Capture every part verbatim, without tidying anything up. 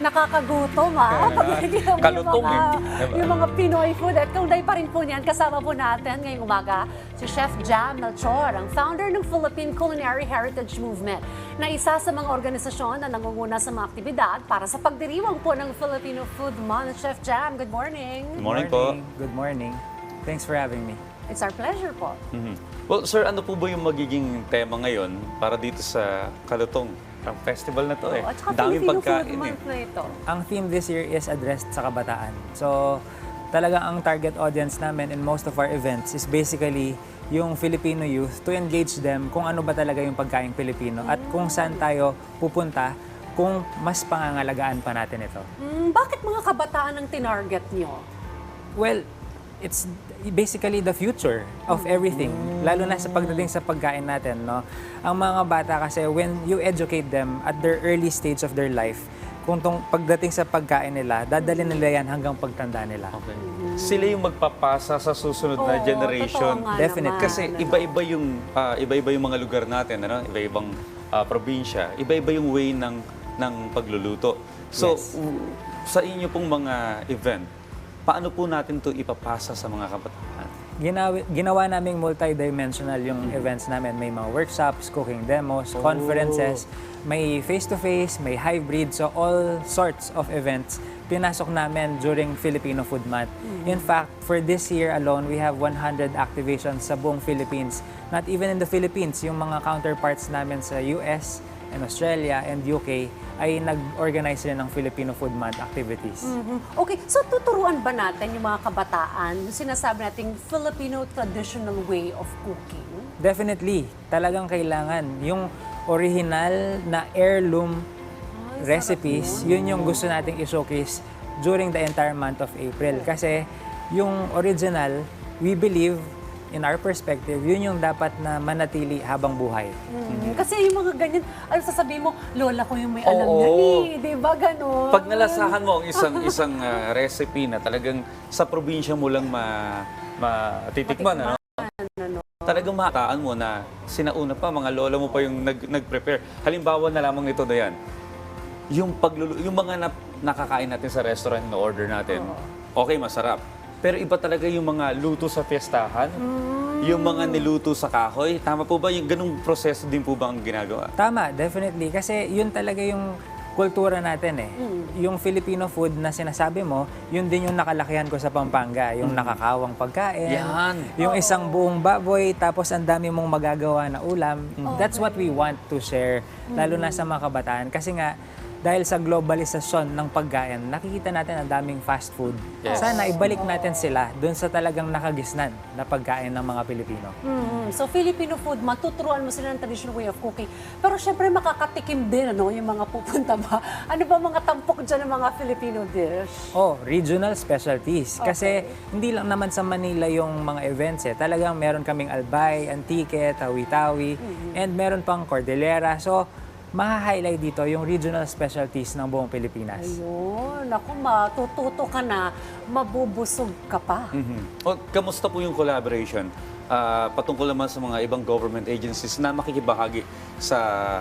nakakagutom ah. Pag nakikita mo yung Kalutong mga, eh. Diba? yung mga Pinoy food. At kaunay pa rin po niyan, kasama po natin ngayong umaga si Chef Jam Melchor, ang founder ng Philippine Culinary Heritage Movement, na isa sa mga organisasyon na nangunguna sa mga aktibidad para sa pagdiriwang po ng Filipino Food Month. Chef Jam, good morning. Good morning po. Good morning. Thanks for having me. It's our pleasure po. Mhm. Well, sir, ano po ba yung magiging tema ngayon para dito sa Kalutong? Ang festival na to eh. At saka Daming Filipino Food pagkain eh. Month na ito. Ang theme this year is addressed sa kabataan. So, talagang ang target audience namin in most of our events is basically yung Filipino youth to engage them kung ano ba talaga yung pagkaing Pilipino at kung saan tayo pupunta kung mas pangangalagaan pa natin ito. Mm, bakit mga kabataan ang tinarget nyo? Well, it's basically the future of everything, lalo na sa pagdating sa pagkain natin, no? Ang mga bata kasi, when you educate them at their early stage of their life, kung tong pagdating sa pagkain nila, dadalhin nila yan hanggang pagtanda nila. Okay. Sila yung magpapasa sa susunod na Oo, generation. totoo nga Definite. naman. Kasi iba-iba yung ah, iba-iba yung mga lugar natin, ano? Iba-ibang ah, probinsya, iba-iba yung way ng ng pagluluto. So, Yes. u- sa inyo pong mga event, paano po natin to ipapasa sa mga kabataan? Ginawa, ginawa naming multi-dimensional yung events namin. May mga workshops, cooking demos, Oh. conferences, may face-to-face, may hybrid. So all sorts of events pinasok namin during Filipino Food Month. In fact, for this year alone, we have one hundred activations sa buong Philippines. Not even in the Philippines, yung mga counterparts namin sa U S and Australia and U K ay nag-organize rin ng Filipino Food Month activities. Mhm. Okay, so tuturuan ba natin yung mga kabataan, yung sinasabi nating Filipino traditional way of cooking? Definitely, talagang kailangan. Yung original na heirloom Ay, recipes, yun yung gusto nating i-showcase during the entire month of April. Kasi yung original, we believe, in our perspective, yun yung dapat na manatili habang buhay. Mhm. Kasi yung mga ganyan, ano sasabihin mo, lola ko yung may alam Oo. yan eh, di ba ganon? Pag nalasahan mo ang isang isang ah, recipe na talagang sa probinsya mo lang ma matitikman, ano? Ano? Talagang mahataan mo na sinauna pa, mga lola mo pa yung nag, nag-prepare. Halimbawa na lamang ito, Dayan. Yung, paglulu yung mga na, nakakain natin sa restaurant na order natin, okay, masarap. Pero iba talaga yung mga luto sa fiestahan, yung mga niluto sa kahoy. Tama po ba? Yung ganung proseso din po ba ang ginagawa? Tama, definitely. Kasi yun talaga yung kultura natin eh. Yung Filipino food na sinasabi mo, yun din yung nakalakihan ko sa Pampanga. Yung nakakawang pagkain. Yan. Yung isang buong baboy, tapos ang dami mong magagawa na ulam. That's what we want to share, lalo na sa mga kabataan. Kasi nga, dahil sa globalisasyon ng pagkain, nakikita natin ang daming fast food. Yes. Sana ibalik natin sila dun sa talagang nakagisnan na pagkain ng mga Pilipino. Mhm. So Filipino food, matuturuan mo sila ng traditional way of cooking. Pero syempre makakatikim din ano, yung mga pupunta ba? Ano ba mga tampok dyan ng mga Filipino dish? Oh, regional specialties. Kasi Okay. hindi lang naman sa Manila yung mga events eh. Talagang meron kaming Albay, Antique, Tawi-Tawi, and meron pang Cordillera. So, maha-highlight dito yung regional specialties ng buong Pilipinas. Ayun, ako matututo ka na, mabubusog ka pa. Mhm. O, kamusta po yung collaboration ah, patungkol naman sa mga ibang government agencies na makikibahagi sa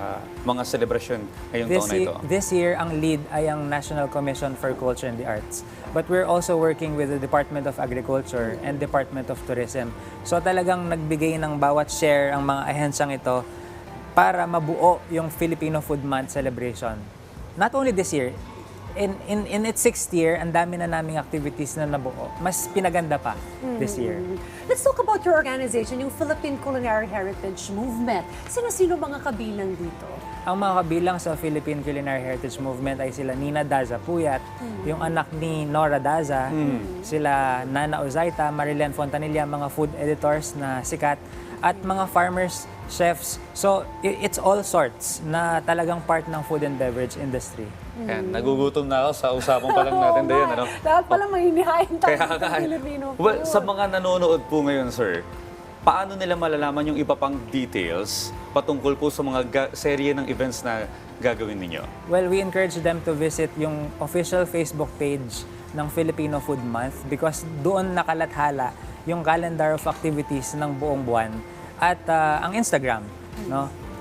mga celebration ngayong This, taon na ye- ito? this year, ang lead ay ang National Commission for Culture and the Arts. But we're also working with the Department of Agriculture and Department of Tourism. So talagang nagbigay ng bawat share ang mga ahensyang ito para mabuo yung Filipino Food Month celebration. Not only this year, in, in, in its sixth year, ang dami na naming activities na nabuo. Mas pinaganda pa this year. Let's talk about your organization, yung Philippine Culinary Heritage Movement. Sino-sino mga kabilang dito? Ang mga kabilang sa Philippine Culinary Heritage Movement ay sila Nina Daza Puyat, yung anak ni Nora Daza, sila Nana Ozaita, Marilyn Fontanilla, mga food editors na sikat, at mga farmers, chefs. So, i- it's all sorts na talagang part ng food and beverage industry. Yan, nagugutom na ako sa usapan pa lang natin, Dayan. Ano? Dapat pala mahinihain tayo Kaya sa nga, eh. Filipino food. Well, sa mga nanonood po ngayon, sir, paano nila malalaman yung iba pang details patungkol po sa mga ga- serye ng events na gagawin ninyo? Well, we encourage them to visit yung official Facebook page ng Filipino Food Month because doon nakalathala yung calendar of activities ng buong buwan at ah, ang Instagram, no?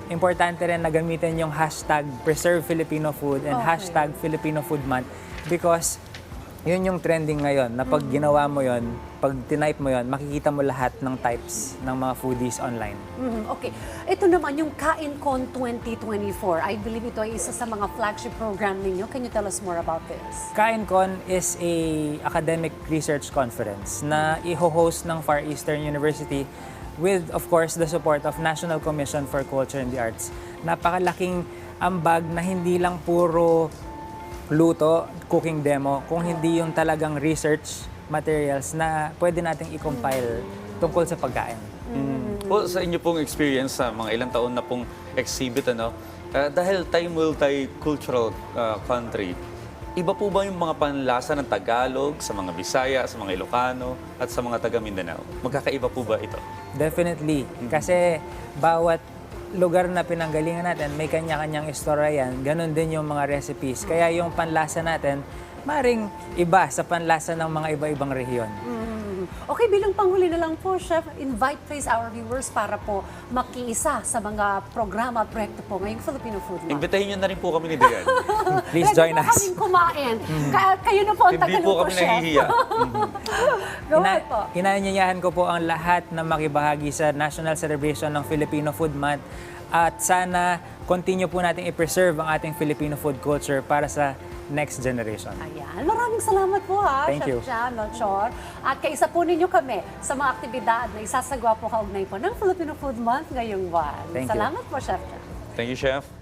importante rin na gamitin yung hashtag Preserve Filipino Food and Okay. hashtag Filipino Food Month because yun yung trending ngayon na pag ginawa mo yun, pag tinype mo yun, makikita mo lahat ng types ng mga foodies online. Mhm, okay. Ito naman yung KainCon twenty twenty-four. I believe ito ay isa sa mga flagship program ninyo. Can you tell us more about this? KainCon is a academic research conference na i-host ng Far Eastern University with, of course, the support of National Commission for Culture and the Arts. Napakalaking ambag na hindi lang puro luto, cooking demo, kung hindi yung talagang research materials na pwede nating i-compile tungkol sa pagkain. Po, sa inyo pong experience sa mga ilang taon na pong exhibit, ano, ah, dahil tayo multicultural ah, country, iba po ba yung mga panlasa ng Tagalog sa mga Bisaya, sa mga Ilocano, at sa mga taga Mindanao? Magkakaiba po ba ito? Definitely. Kasi bawat lugar na pinanggalingan natin, may kanya-kanyang istorya yan. Ganon din yung mga recipes. Kaya yung panlasa natin, maring iba sa panlasa ng mga iba-ibang rehiyon. Mhm. Okay, bilang panghuli na lang po, Chef, invite please our viewers para po makiisa sa mga programa at proyekto po ngayong Filipino Food Month. Imbitahin nyo na rin po kami ni Dayan. Please Pwede join po us. kaming kumain. Ka- kayo na po ang Hindi po tagaluto, kami Chef. nahihiya. Go Ina- ahead po. Inaanyayahan ko po ang lahat na makibahagi sa National Celebration ng Filipino Food Month at sana continue po natin i-preserve ang ating Filipino food culture para sa next generation. Ayan. Maraming salamat po ha, Thank Chef you. Jam Melchor. At kaisa po ninyo kami sa mga aktibidad na isasagawa po kaugnay po ng Filipino Food Month ngayong buwan. Thank you. Salamat po, Chef Jam. Thank you, Chef.